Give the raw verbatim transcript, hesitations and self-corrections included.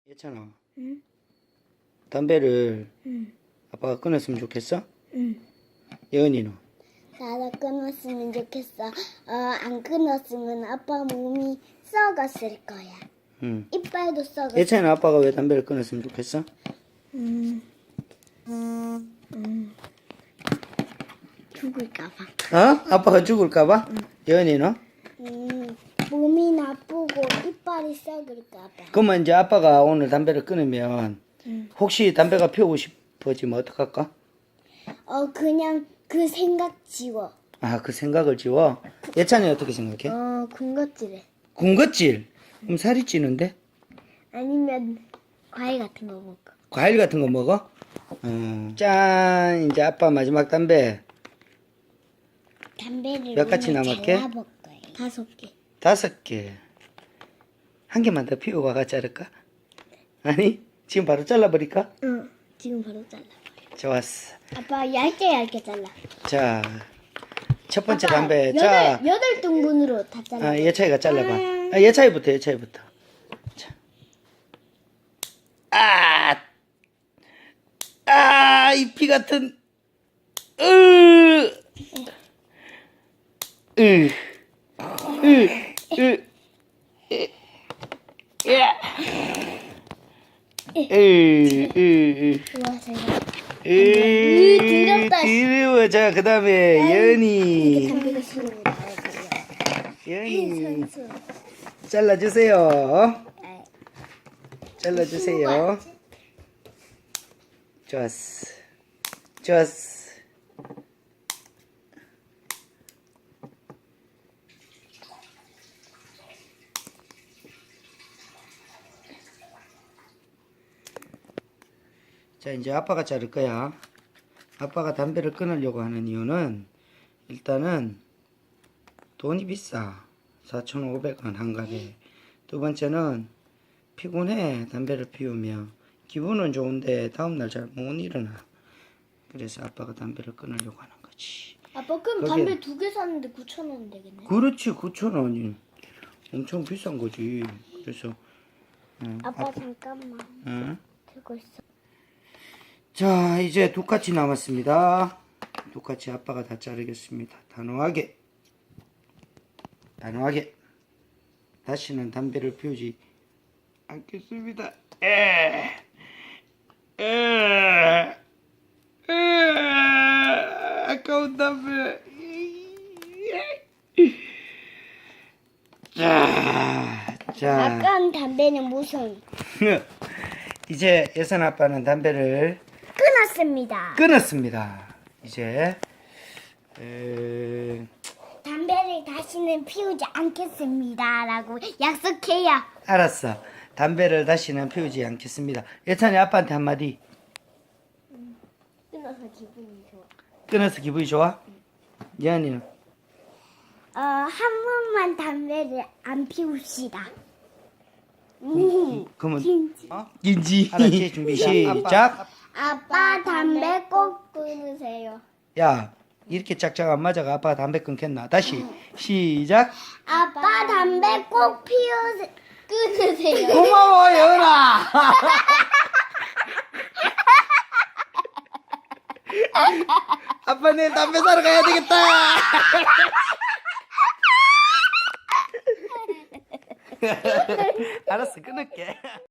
예찬아, 응? 담배를 응. 아빠가 끊었으면 좋겠어? 응. 예은이는? 나도 끊었으면 좋겠어. 어, 안 끊었으면 아빠 몸이 썩었을 거야. 응. 이빨도 썩었을 예찬아, 아빠가 왜 담배를 끊었으면 좋겠어? 음. 음. 죽을까봐. 어? 아빠가 죽을까봐? 예은이는? 음. 몸이 나쁘고 이빨이 썩을까봐. 그러면 이제 아빠가 오늘 담배를 끊으면 응. 혹시 담배가 피우고 싶어지면 어떡할까? 어, 그냥 그 생각 지워. 아, 그 생각을 지워? 예찬이 어떻게 생각해? 어, 군것질해. 군것질? 그럼 살이 찌는데? 아니면 과일 같은 거 먹어. 과일 같은 거 먹어? 어. 짠! 이제 아빠 마지막 담배 담배를 몇 가지 오늘 남았게? 잘라볼 거예요. 다섯 개. 다섯 개. 한 개만 더 피우고 가가 자를까? 아니? 지금 바로 잘라버릴까? 응. 지금 바로 잘라버려. 좋았어. 아빠 얇게 얇게 잘라. 자, 첫 번째 아빠, 담배. 여덟, 자, 여덟 등분으로 다 잘라. 아, 예차이가 잘라봐. 아, 예차이부터, 예차이부터. 자. 아! 아, 이 피 같은. 으! 으! 으! 으! 야! 으! 으! 으! 좋아, 제가. 으! 더럽다. 더러워. 자, 그 다음에, 연이. 담배가 싫으면 나와버려. 연이. 선수. 잘라주세요. 아, 잘라주세요. 좋았어. 좋았어. 자, 이제 아빠가 자를 거야. 아빠가 담배를 끊으려고 하는 이유는 일단은 돈이 비싸. 사천오백 원 한갑에. 두 번째는 피곤해. 담배를 피우면 기분은 좋은데 다음날 잘 못 일어나. 그래서 아빠가 담배를 끊으려고 하는 거지. 아빠 그럼 거기에- 담배 두 개 샀는데 구천 원 되겠네. 그렇지. 구천 원이 엄청 비싼 거지. 그래서 응, 아빠 잠깐만 응. 들고 있어. 자, 이제 두 가지 남았습니다. 두 가지 아빠가 다 자르겠습니다. 단호하게. 단호하게. 다시는 담배를 피우지 않겠습니다. 에. 에. 에. 아까운 담배. 자, 자. 아까운 담배는 무슨 이제 예선 아빠는 담배를 끊었습니다. 끊었습니다. 이제 에... 담배를 다시는 피우지 않겠습니다라고 약속해요. 알았어. 담배를 다시는 피우지 않겠습니다. 예찬이 아빠한테 한마디. 끊어서 기분이 좋아. 끊어서 기분이 좋아? 예언이는? 어, 한 번만 담배를 안 피웁시다. 음. 그러면 진지. 어? 인지. 알았지? 준비 시작. 아빠 담배 꼭 끊으세요. 야, 이렇게 짝짝 안 맞아가 아빠가 담배 끊겠나? 다시 시작. 아빠 담배 꼭 피우세 끊으세요. 고마워 예언아. 아빠 내일 담배 사러 가야 되겠다. 알았어, 끊을게.